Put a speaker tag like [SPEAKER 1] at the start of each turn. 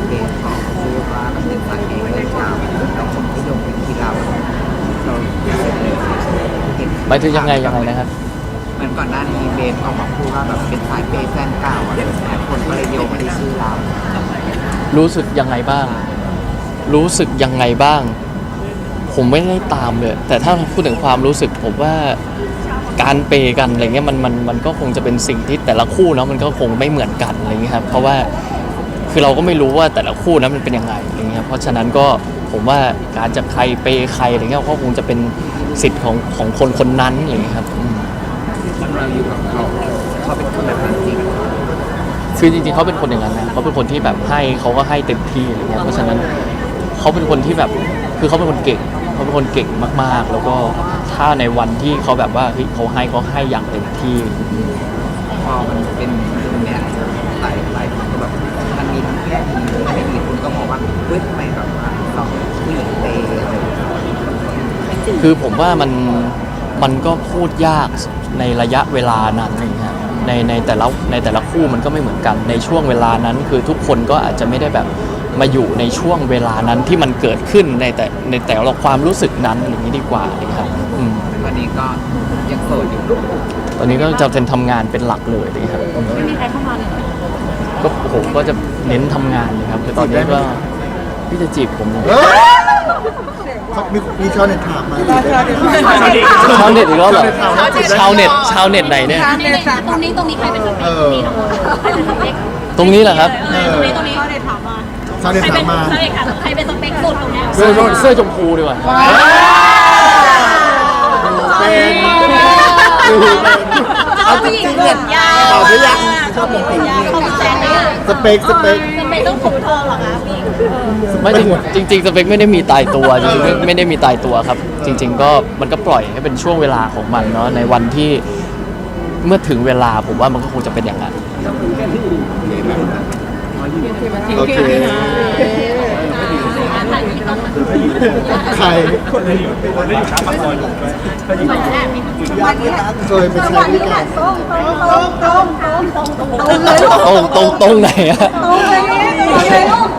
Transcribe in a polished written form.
[SPEAKER 1] เบสของพูดว่ามันเป็นสายเบสยาวแล้วผมที่โยงเป็นที่เรา
[SPEAKER 2] หมายถึงยังไงนะครับ
[SPEAKER 1] เหมือนก่อนหน้านี้เบสออกมาพูดว่าแบบเป็นสายเบสแฟนเก่าอะไรแบบนี้คนก็เลยโยงมาที่ชื่อเรา
[SPEAKER 2] รู้สึกยังไงบ้างผมไม่ได้ตามเลยแต่ถ้าพูดถึงความรู้สึกผมว่าการเปย์กันอะไรเงี้ยมันก็คงจะเป็นสิ่งที่แต่ละคู่เนาะมันก็คงไม่เหมือนกันอะไรเงี้ยครับเพราะว่าคือเราก็ไม่รู้ว่าแต่ละคู่นั้นมันเป็นยังไงอะไรเงี้ยเพราะฉะนั้นก็ผมว่าการจะใครเปย์ใครอะไรเงี้ยก็คงจะเป็นสิทธิ์ของคนนั้นอะไรเงี้ยครับ
[SPEAKER 1] เราอยู่กับเขาเป็นคนแบบนั้นจริง
[SPEAKER 2] คือจริงๆเขาเป็นคนอย่างนั้นนะเขาเป็นคนที่แบบให้เขาก็ให้เต็มที่อะไรเงี้ยเพราะฉะนั้นเขาเป็นคนที่แบบคือเขาเป็นคนเก่งมากๆแล้วก็ถ้าในวันที่เขาแบบว่าเขาให้อย่างเต็มที่
[SPEAKER 1] พอมันเป็นเนี้ยหลายคนก็แบบมันมีทั้งแง่ดีไม่ดีคุณก็มองว่าเฮ้ยทำไมแบบว่าเราผู้หญิงเตะอะไร
[SPEAKER 2] คือผมว่ามันก็พูดยากในระยะเวลานั้นนะครับในแต่ละคู่มันก็ไม่เหมือนกันในช่วงเวลานั้นคือทุกคนก็อาจจะไม่ได้แบบมาอยู่ในช่วงเวลานั้นที่มันเกิดขึ้นในแต่ละความรู้สึกนั้นอย่างนี้ดีกว่าครับ
[SPEAKER 1] วันนี้ก็ยังโสดอยู่
[SPEAKER 2] ตอนนี้ก็จะเป็นทำงานเป็นหลักเลยนะครับ
[SPEAKER 3] ไม่มีใครเข้ามาเลย
[SPEAKER 2] ก็ผมก็จะเน้นทำงานนะครับคือตอนนี้ก็พี่จะจีบผม
[SPEAKER 4] มีชาวเน็ตถามมา
[SPEAKER 2] ชาวเน็ตอีกแล้วเหรอชาวเน็ตไหนเนี่ย
[SPEAKER 3] ตรงนี้ใครเป็นสเปคตรงนี้ใครเป็นสเปค
[SPEAKER 2] ตรงนี้เหรอครับ
[SPEAKER 3] ตรงนี้เขาเน็ตถามมา
[SPEAKER 4] ชาวเน็ตถามมา
[SPEAKER 3] ใครเป็นสเปคสุดตรงนี้
[SPEAKER 2] เสื้อชมพูดีกว่า
[SPEAKER 3] เอาผู้หญิงผมยาว
[SPEAKER 4] ตอบได้ยัง
[SPEAKER 3] ชอบผมยาวของแซนเนี่ย
[SPEAKER 4] สเปค
[SPEAKER 3] ต้องผมทองหรอคะผู้หญิง
[SPEAKER 2] ไม่จริงสเปคไม่ได้มีตายตัวจริงๆไม่ได้มีตายตัวครับจริงๆก็มันก็ปล่อยให้เป็นช่วงเวลาของมันเนาะในวันที่เมื่อถึงเวลาผมว่ามันก็คงจะเป็นอย่างนั้น
[SPEAKER 4] โอเคใครเคยไปใช้บริการ
[SPEAKER 2] ตรงไหนอะ